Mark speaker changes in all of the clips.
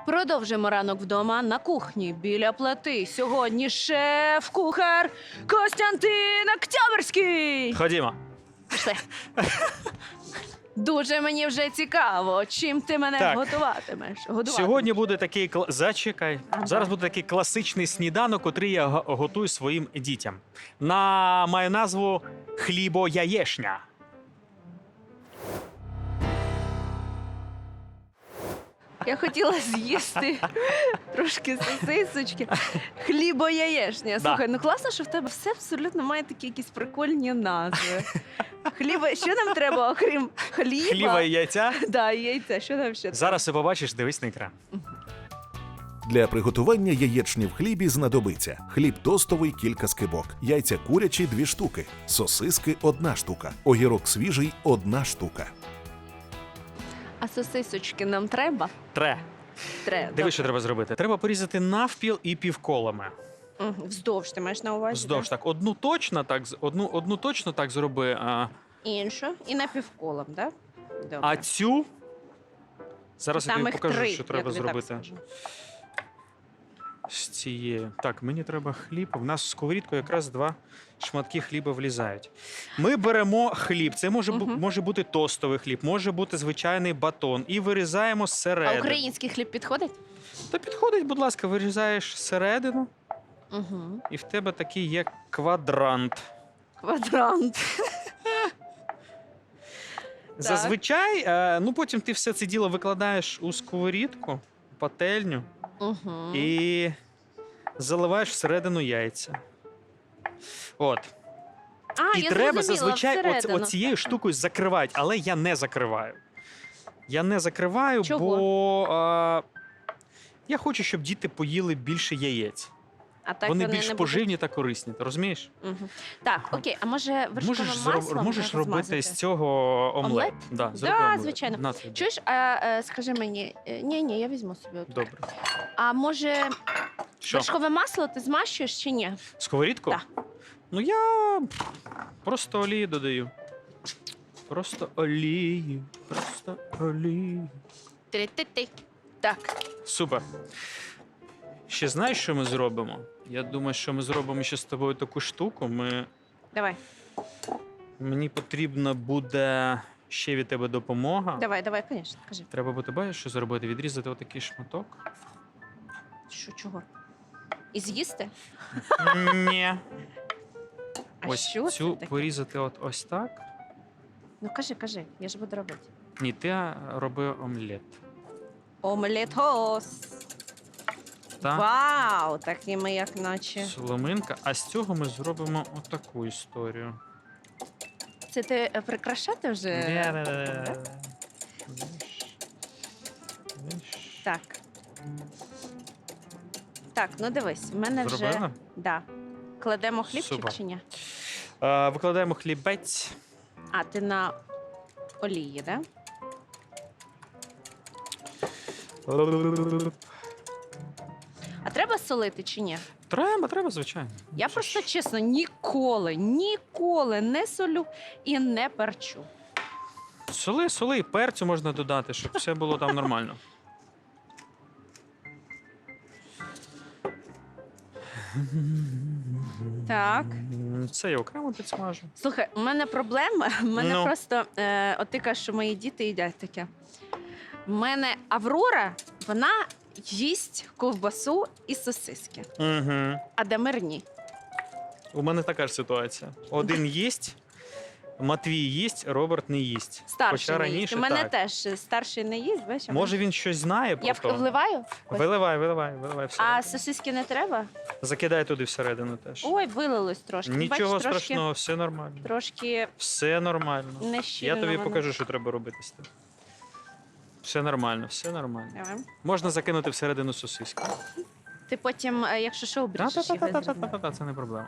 Speaker 1: Продовжуємо ранок вдома на кухні біля плити. Сьогодні шеф-кухар Костянтин Октябрьський.
Speaker 2: Ходімо.
Speaker 1: Пішли. Дуже мені вже цікаво, чим ти мене
Speaker 2: Так.
Speaker 1: готуватимеш.
Speaker 2: Сьогодні буде такий зачекай.
Speaker 1: Ага.
Speaker 2: Зараз буде такий класичний сніданок, котрий я готую своїм дітям. Має назву хлібо-яєшня.
Speaker 1: Я хотіла з'їсти трошки сосисочки. Хлібо-яєшня. Слухай, ну класно, що в тебе все абсолютно має такі якісь прикольні назви. Що нам треба, окрім хліба?
Speaker 2: Хліба і яйця.
Speaker 1: Да, і яйця. Що там ще?
Speaker 2: Зараз ти побачиш, дивись на екран.
Speaker 3: Для приготування яєчні в хлібі знадобиться хліб тостовий – кілька скибок, яйця курячі – 2 штуки, сосиски – 1 штука, огірок свіжий – 1 штука.
Speaker 1: А сосисочки нам треба? Треба.
Speaker 2: Дивись, що треба зробити. Треба порізати навпіл і півколами.
Speaker 1: Вздовж ти маєш на увазі?
Speaker 2: Вздовж так. Одну точно так зроби.
Speaker 1: Іншу і напівколом, так? Да?
Speaker 2: А цю зараз я
Speaker 1: Там
Speaker 2: тобі
Speaker 1: їх
Speaker 2: покажу,
Speaker 1: 3,
Speaker 2: що треба
Speaker 1: я тобі так
Speaker 2: зробити.
Speaker 1: скажу.
Speaker 2: З цією. Так, мені треба хліб. У нас в сковорідку якраз 2 шматки хліба влізають. Ми беремо хліб. Це може бути тостовий хліб, може бути звичайний батон. І вирізаємо
Speaker 1: А
Speaker 2: зсередини.
Speaker 1: український хліб підходить?
Speaker 2: Та підходить, будь ласка, вирізаєш зсередину,
Speaker 1: Угу.
Speaker 2: і в тебе такий є квадрант.
Speaker 1: Квадрант.
Speaker 2: Зазвичай, потім ти все це діло викладаєш у сковорідку, пательню.
Speaker 1: Угу.
Speaker 2: І заливаєш всередину яйця. От. І
Speaker 1: я
Speaker 2: треба
Speaker 1: зрозуміла,
Speaker 2: зазвичай
Speaker 1: всередину.
Speaker 2: оцією штукою закривати, але я не закриваю. Я не закриваю,
Speaker 1: Чого?
Speaker 2: бо я хочу, щоб діти поїли більше яєць.
Speaker 1: А так
Speaker 2: Вони
Speaker 1: не
Speaker 2: більш
Speaker 1: будуть?
Speaker 2: поживні та корисні, ти розумієш?
Speaker 1: Мгм. Так, окей, а може вершкове масло
Speaker 2: Можеш робити
Speaker 1: розмазати?
Speaker 2: з цього омлет?
Speaker 1: Омлет?
Speaker 2: Да, зроби
Speaker 1: Да,
Speaker 2: омлет.
Speaker 1: звичайно.
Speaker 2: На тобі.
Speaker 1: Чуєш, скажи мені, ні, я візьму собі. От.
Speaker 2: Добре.
Speaker 1: А може
Speaker 2: Що?
Speaker 1: вершкове масло ти змащуєш чи ні?
Speaker 2: Сковорідку?
Speaker 1: Да.
Speaker 2: Ну я просто олію додаю. Просто олію. Просто олію.
Speaker 1: Ти-ти-ти. Так.
Speaker 2: Супер. Ще знаєш, що ми зробимо? Я думаю, що ми зробимо ще з тобою таку штуку.
Speaker 1: Давай,
Speaker 2: Мені потрібна буде ще від тебе допомога.
Speaker 1: давай, звісно, кажи.
Speaker 2: Треба буде, бачиш, що зробити? Відрізати отакий шматок.
Speaker 1: Що, чого? І з'їсти?
Speaker 2: Ні.
Speaker 1: А
Speaker 2: Ось
Speaker 1: що це
Speaker 2: цю
Speaker 1: таке?
Speaker 2: порізати ось так.
Speaker 1: Ну кажи, я ж буду робити.
Speaker 2: Ні, ти роби омлет.
Speaker 1: Омлетос.
Speaker 2: Так?
Speaker 1: Вау, такі ми як наче.
Speaker 2: Соломинка. А з цього ми зробимо отаку історію.
Speaker 1: Це ти прикрашати вже? Так. Так, ну дивись, в мене вже.
Speaker 2: Зробила?
Speaker 1: Да. Кладемо хлібчик
Speaker 2: Супер.
Speaker 1: чи ні?
Speaker 2: Викладаємо хлібець.
Speaker 1: А, ти на олії, да? А треба солити чи ні?
Speaker 2: Треба, звичайно.
Speaker 1: Я
Speaker 2: Це
Speaker 1: просто
Speaker 2: ж-
Speaker 1: чесно ніколи не солю і не перчу.
Speaker 2: Соли, і перцю можна додати, щоб все було там нормально.
Speaker 1: Так.
Speaker 2: Це я окремо підсмажу.
Speaker 1: Слухай, у мене проблема. У мене
Speaker 2: Ну.
Speaker 1: просто от ти кажеш, що мої діти їдять таке. У мене Аврора, вона їсть ковбасу і сосиски,
Speaker 2: Угу.
Speaker 1: а Дамир ні.
Speaker 2: У мене така ж ситуація. Один їсть, Матвій їсть, Роберт не їсть.
Speaker 1: Старший
Speaker 2: Хоча
Speaker 1: не їсть.
Speaker 2: раніше
Speaker 1: У мене
Speaker 2: так.
Speaker 1: теж старший не їсть, бачиш? а
Speaker 2: Може він щось знає
Speaker 1: я
Speaker 2: про то?
Speaker 1: вливаю?
Speaker 2: Виливай
Speaker 1: А
Speaker 2: всередину.
Speaker 1: сосиски не треба?
Speaker 2: Закидай туди всередину теж.
Speaker 1: Ой, вилилось трошки.
Speaker 2: Нічого
Speaker 1: Бачиш,
Speaker 2: страшного, все нормально.
Speaker 1: Трошки
Speaker 2: Все нормально.
Speaker 1: не щільно.
Speaker 2: Я тобі
Speaker 1: воно.
Speaker 2: покажу, що треба робити з тим. Все нормально, все нормально.
Speaker 1: Давай.
Speaker 2: Можна закинути всередину сосиски.
Speaker 1: Ти потім, якщо що, обріжеш їх.
Speaker 2: Та-та-та-та-та-та-та, це не проблема.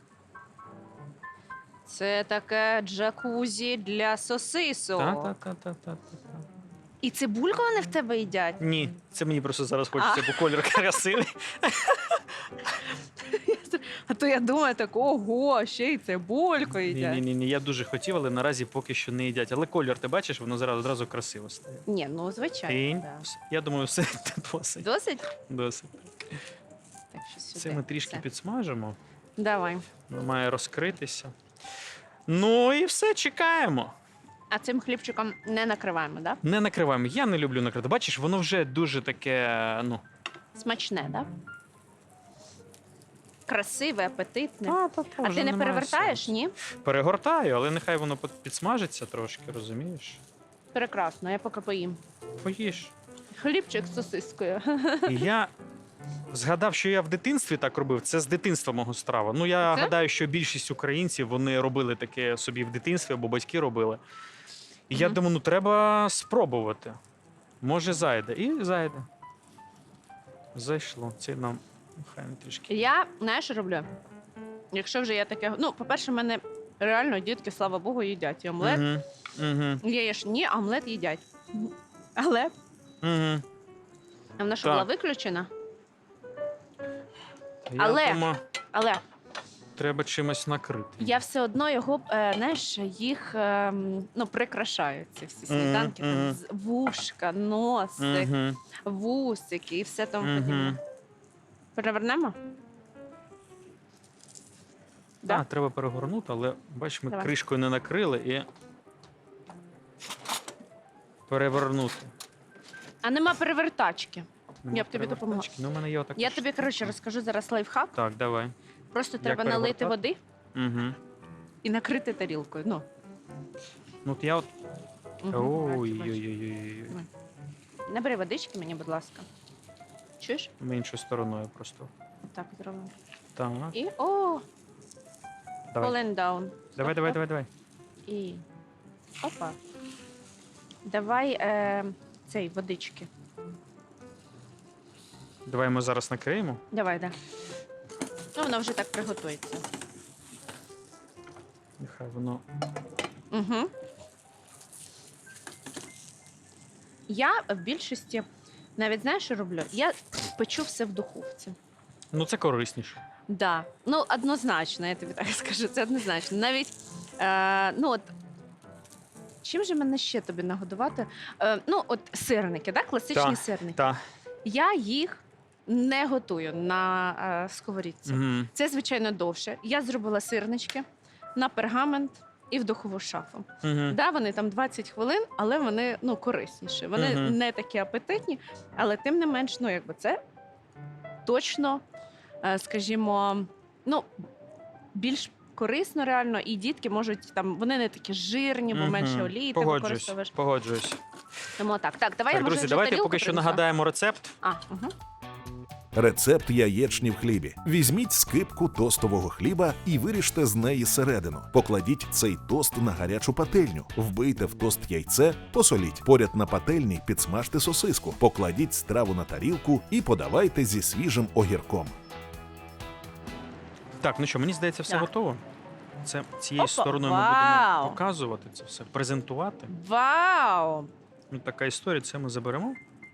Speaker 1: Це таке джакузі для сосисок.
Speaker 2: Та-та-та-та-та-та.
Speaker 1: І цибульку вони в тебе їдять?
Speaker 2: Ні, це мені просто зараз хочеться, бо колір красивий.
Speaker 1: А то я думаю, так, ого, ще й цибульку їдять.
Speaker 2: Ні, я дуже хотів, але наразі поки що не їдять. Але колір, ти бачиш, воно одразу красиво стає.
Speaker 1: Ні, ну звичайно.
Speaker 2: Тінь.
Speaker 1: Да.
Speaker 2: Я думаю, все досить.
Speaker 1: Досить?
Speaker 2: Досить.
Speaker 1: Так, що сюди.
Speaker 2: Це ми трішки
Speaker 1: Все.
Speaker 2: підсмажимо.
Speaker 1: Давай.
Speaker 2: Воно має розкритися. Ну і все, чекаємо.
Speaker 1: А цим хлібчиком не накриваємо, так?
Speaker 2: Не накриваємо. Я не люблю накрити. Бачиш, воно вже дуже таке, ну.
Speaker 1: Да? Смачне, так? Да? Красиве, апетитне.
Speaker 2: Та,
Speaker 1: А
Speaker 2: вже
Speaker 1: ти не
Speaker 2: немає
Speaker 1: перевертаєш,
Speaker 2: сенсу.
Speaker 1: ні?
Speaker 2: Перегортаю, але нехай воно підсмажиться трошки, розумієш?
Speaker 1: Прекрасно, я поки поїм.
Speaker 2: Поїж.
Speaker 1: Хлібчик з сосискою.
Speaker 2: І я згадав, що я в дитинстві так робив. Це з дитинства мого страва. Ну, я
Speaker 1: Це?
Speaker 2: гадаю, що більшість українців вони робили таке собі в дитинстві, або батьки робили. І я
Speaker 1: Мгм.
Speaker 2: думаю, ну треба спробувати. Може, зайде. І зайде. Зайшло. Це нам хай трішки.
Speaker 1: Я, знаєш, що роблю? Якщо вже я таке. Ну, по-перше, в мене реально дітки, слава Богу, їдять. І омлет.
Speaker 2: Угу.
Speaker 1: Яєчні, а омлет їдять. Але
Speaker 2: Угу.
Speaker 1: а вона що
Speaker 2: Так.
Speaker 1: була виключена?
Speaker 2: Я
Speaker 1: Але-
Speaker 2: думаю,
Speaker 1: Але
Speaker 2: треба чимось накрити.
Speaker 1: я все одно його, знаєш, їх ну, прикрашаю, ці всі сніданки.
Speaker 2: мгм.
Speaker 1: Там вушка, носик,
Speaker 2: Угу.
Speaker 1: вусики і все тому
Speaker 2: Мгм.
Speaker 1: подібне. Перевернемо? Да?
Speaker 2: Так, треба перегорнути, але бач, ми
Speaker 1: Давай.
Speaker 2: кришкою не накрили і перевернути.
Speaker 1: А нема перевертачки.
Speaker 2: Нема
Speaker 1: Я б тобі допомогла.
Speaker 2: перевертачки. Ну, у мене є отака.
Speaker 1: Я тобі, коротше, розкажу зараз лайфхак.
Speaker 2: Так, давай.
Speaker 1: Просто треба налити
Speaker 2: перегортати?
Speaker 1: води
Speaker 2: Угу.
Speaker 1: і накрити тарілкою. Ну.
Speaker 2: Ну, от я от.
Speaker 1: Мгм. Бачу, бачу.
Speaker 2: Ой-ой-ой.
Speaker 1: Набери водички мені, будь ласка. Чуєш?
Speaker 2: Ми іншою стороною просто.
Speaker 1: Отак зробимо.
Speaker 2: Так.
Speaker 1: І о,
Speaker 2: Давай.
Speaker 1: falling down.
Speaker 2: Давай, давай, давай, давай.
Speaker 1: І опа. Давай цей водички.
Speaker 2: Давай ми зараз накриємо.
Speaker 1: Давай, да. Ну, воно вже так приготується.
Speaker 2: Нехай воно.
Speaker 1: Угу. Я в більшості, навіть знаєш, що роблю? Я печу все в духовці.
Speaker 2: Ну, це корисніше.
Speaker 1: Да. Ну, однозначно, я тобі так скажу, це однозначно. Навіть, ну от, чим же мене ще тобі нагодувати? Ну, от сирники, да? Класичні
Speaker 2: Та,
Speaker 1: сирники.
Speaker 2: Так.
Speaker 1: Я їх не готую на сковорідці.
Speaker 2: Угу.
Speaker 1: Це, звичайно, довше. Я зробила сирнички на пергамент і в духову шафу.
Speaker 2: Угу.
Speaker 1: Да, вони там 20 хвилин, але вони ну, корисніші. Вони
Speaker 2: Мгм.
Speaker 1: не такі апетитні, але тим не менш, ну, якби це точно, скажімо, ну, більш корисно реально, і дітки можуть там, вони не такі жирні, бо менше олії ти використовуєш.
Speaker 2: Погоджуюсь.
Speaker 1: Тому так, давай я
Speaker 2: Так,
Speaker 1: може
Speaker 2: друзі,
Speaker 1: вже
Speaker 2: давайте
Speaker 1: тарілку
Speaker 2: поки що
Speaker 1: принесла?
Speaker 2: нагадаємо рецепт.
Speaker 1: Угу.
Speaker 3: Рецепт яєчні в хлібі. Візьміть скипку тостового хліба і виріжте з неї середину. Покладіть цей тост на гарячу пательню. Вбийте в тост яйце, посоліть. Поряд на пательні підсмажте сосиску. Покладіть страву на тарілку і подавайте зі свіжим огірком.
Speaker 2: Так, ну що, мені здається, все
Speaker 1: Так.
Speaker 2: готово. Це цією
Speaker 1: Опа,
Speaker 2: стороною ми
Speaker 1: вау!
Speaker 2: будемо показувати це все, презентувати.
Speaker 1: Вау!
Speaker 2: Ну, така історія, це ми заберемо.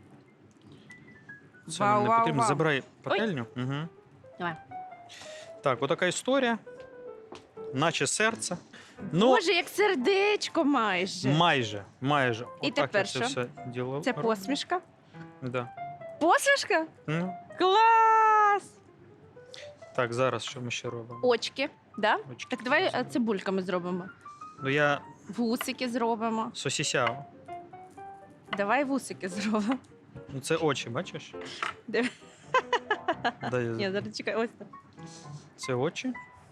Speaker 2: Це
Speaker 1: Вау,
Speaker 2: нам не
Speaker 1: вау,
Speaker 2: потрібно.
Speaker 1: вау.
Speaker 2: Забирай пательню. Угу.
Speaker 1: Давай.
Speaker 2: Так, отака історія. Наче серце. Ну,
Speaker 1: Боже, як сердечко майже.
Speaker 2: майже.
Speaker 1: І
Speaker 2: Отак
Speaker 1: тепер
Speaker 2: я це
Speaker 1: що?
Speaker 2: все діло.
Speaker 1: Це посмішка?
Speaker 2: Да.
Speaker 1: Посмішка?
Speaker 2: Ну,
Speaker 1: Клас!
Speaker 2: так, зараз що ми ще робимо?
Speaker 1: Очки, да?
Speaker 2: Очки
Speaker 1: Так давай
Speaker 2: зробимо.
Speaker 1: цибульками зробимо.
Speaker 2: Ну, я
Speaker 1: Вусики зробимо.
Speaker 2: сосісяв.
Speaker 1: Давай вусики зробимо.
Speaker 2: Ну, це очі, бачиш?
Speaker 1: Диви.
Speaker 2: Дай,
Speaker 1: Ні, зараз чекай, ось так.
Speaker 2: Це очі.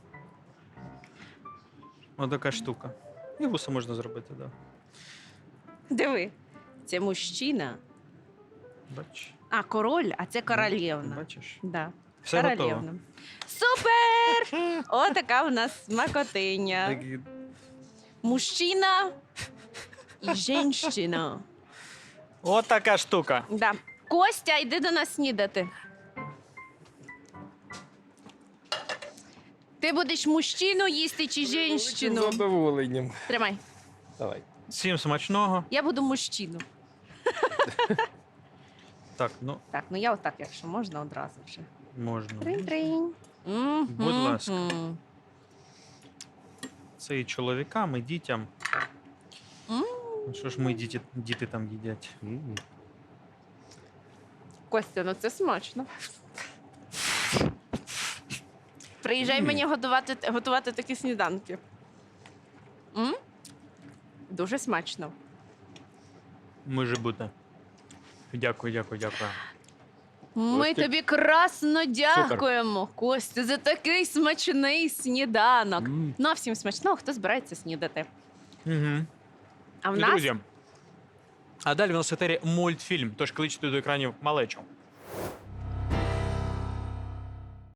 Speaker 2: Отака штука. І вуса можна зробити, так. Да.
Speaker 1: Диви. Це мужчина.
Speaker 2: Бачиш?
Speaker 1: А, король, а це королівна.
Speaker 2: Бачиш?
Speaker 1: Да.
Speaker 2: Все готово.
Speaker 1: Королівна. Супер! Отака у нас смакотиня.
Speaker 2: Такі-
Speaker 1: Мужчина і жінщина.
Speaker 2: Отака штука.
Speaker 1: Да. Костя, йди до нас снідати. Ти будеш мужчину їсти чи
Speaker 4: З
Speaker 1: жінщину?
Speaker 4: задоволенням.
Speaker 1: Тримай.
Speaker 4: Давай.
Speaker 2: Всім смачного.
Speaker 1: Я буду мужчину.
Speaker 2: Так, ну,
Speaker 1: Так, ну я отак, якщо можна, одразу вже.
Speaker 2: можна.
Speaker 1: Тринь-тринь.
Speaker 2: Будь ласка. Це і чоловікам, і дітям. Що ж ми діти там їдять?
Speaker 1: Костя, ну це смачно. Приїжджай мені готувати такі сніданки. Дуже смачно.
Speaker 2: Може бути. Дякую.
Speaker 1: Ми
Speaker 4: Костя.
Speaker 1: тобі красно дякуємо, Костя, за такий смачний сніданок. Ну, а всім смачного, хто збирається снідати.
Speaker 2: Угу.
Speaker 1: А в
Speaker 2: І,
Speaker 1: нас
Speaker 2: друзі, а далі в нас в етері мультфільм, тож кличте до екранів малечу.